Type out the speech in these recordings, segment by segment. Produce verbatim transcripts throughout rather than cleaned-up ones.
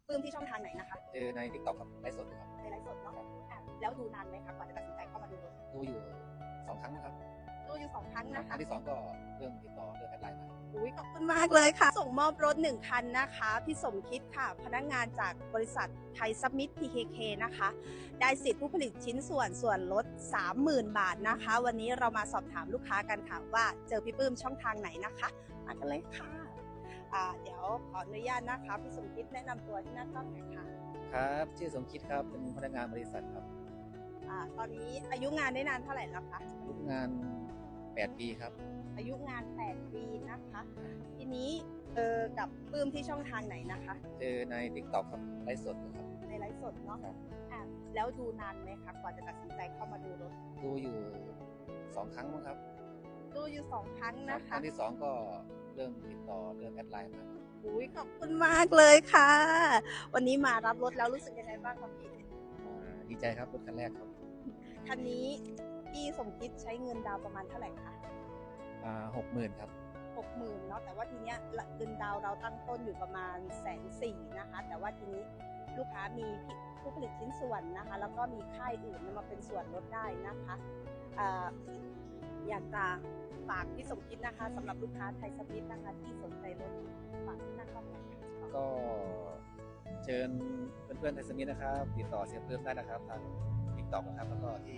ปลื้มที่ช่องทางไหนนะคะเจอใน TikTok ครับไลฟ์สดครับในไลฟ์สดเนาะอ่ะแล้วดูนานไหมคะกว่าจะตัดสินใจเข้ามาดูรถดูอยู่สองครั้งนะครับดูอยู่สองครั้งครั้นะงคะที่สองก็เรื่องติดต่อเรื่องแอดไลน์มาอุ้ยขอบคุณมากเลยค่ะส่งมอบรถหนึ่งคันนะคะพี่สมคิดค่ะพนักงานจากบริษัทไทยซับมิต พี เค เค นะคะได้สิทธิผู้ผลิตชิ้นส่วนส่วนลด สามหมื่น บาทนะคะวันนี้เรามาสอบถามลูกค้ากันค่ะว่าเจอพี่ปื้มช่องทางไหนนะคะมากันเลยค่ะอ่าเดี๋ยวขออนุญาตนะคะพี่สมคิดแนะนำตัวที่หน้ากล้องหน่อยค่ะครับชื่อสมคิดครับเป็นพนักงานบริษัทครับอ่าตอนนี้อายุงานได้นานเท่าไหร่แล้วคะอายุงานแปดปีครับอายุงานแปดปีนะคะทีนี้เออกับปื้มที่ช่องทางไหนนะคะเจอใน TikTok ครับไลฟ์สดครับในไลฟ์สดเนาะครับอ่ะแล้วดูนานไหมคะกว่าจะตัดสินใจเข้ามาดูรถดูอยู่สองครั้งมั้งครับดูอยู่สองครั้งนะคคะรั้งที่สองก็เรื่องติดต่อเรื่องแอดไลน์มาอุ้ยขอบคุณมากเลยค่ะ วันนี้มารับรถแล้วรู้สึกยังไงบ้างครับพี่อ่าดีใจครับรถคันแรกครับคันนี้พี่สมคิดใช้เงินดาวน์ประมาณเท่าไหร่คะอ่าหกหมื่นครับหกหมื่นเนาะแต่ว่าทีเนี้ยเงินดาวน์เราตั้งต้นอยู่ประมาณแสนสี่นะคะแต่ว่าทีนี้ลูกค้ามีผู้ผลิตชิ้นส่วนนะคะแล้วก็มีค่ายอื่นมาเป็นส่วนลดได้นะคะอ่าอยากจะฝากพี่สมคิดนะคะสำหรับลูกค้าไทยสปิทนะคะที่สนใจรถฝากหน้าเข้ามาก็เชิญเพื่อนๆไทยสมิธนะครับติดต่อเสียเพิ่มได้นะครับทาง TikTok นะครับแล้วก็ที่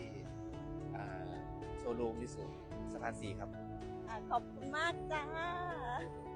โชว์รูมที่สุดสะพานสี่ครับขอบคุณมากจ้า